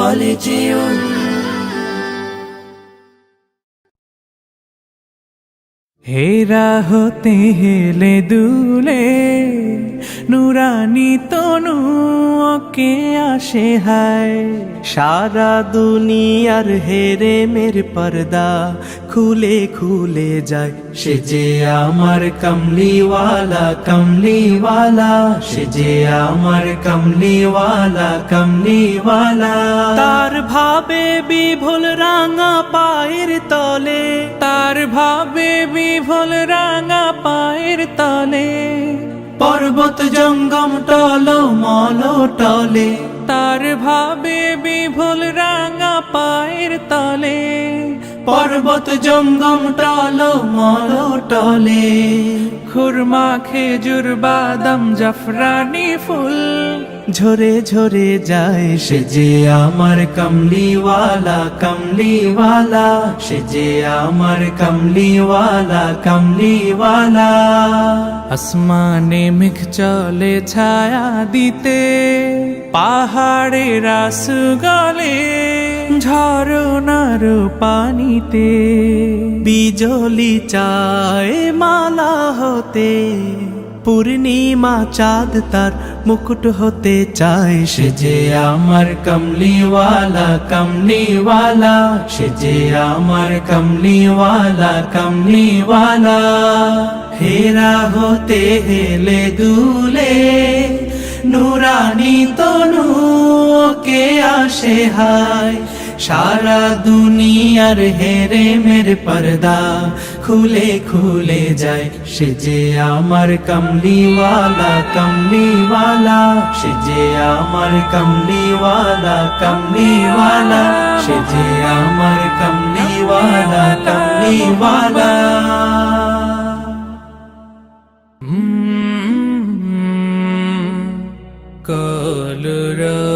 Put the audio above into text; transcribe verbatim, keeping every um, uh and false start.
বলে যেও হেরা হতে হেলে দুলে নুরানি তনু ওকে আসে হায় সারা দুনিয়ার হেরে মের পর্দা খুলে খুলে যায় সে যে আমার কমলিওয়ালা কমলিওয়ালা সে যে আমার কমলিওয়ালা কমলিওয়ালা তার ভাবে বিভোল রাঙা পায়ের তলে তার ভাবে বিভোল রাঙা পায়ের তলে পর্বত জঙ্গম টল মল টলে তার ভাবে বিভোল রাঙা পায়ের তলে পর্বত জঙ্গম টল মল টলে খুরমা খেজুর বাদাম জাফরানি ফুল ঝরে ঝরে যায় সে যে আমার কমলিওয়ালা কমলিওয়ালা সে যে আমার কমলিওয়ালা কমলিওয়ালা আসমানে মেঘ চলে ছায়া দিতে পাহাড়ে রাস গলে ঝরনার পানিতে বিজলি চায় মালা হতে পূর্ণিমা চাঁদ তার মুকুট হতে চায় সে যে আমার কমলিওয়ালা কমলিওয়ালা সে যে আমার কমলিওয়ালা কমলিওয়ালা হেরা হতে হেলে দুলে নুরানি তনু ওকে আসে হায় সারা দুনিয়ার হেরে মের পর্দা খুলে খুলে যায় সে যে আমার কমলিওয়ালা কমলিওয়ালা সে যে আমার কমলিওয়ালা কমলিওয়ালা সে যে আমার কমলিওয়ালা কমলিওয়ালা কলরা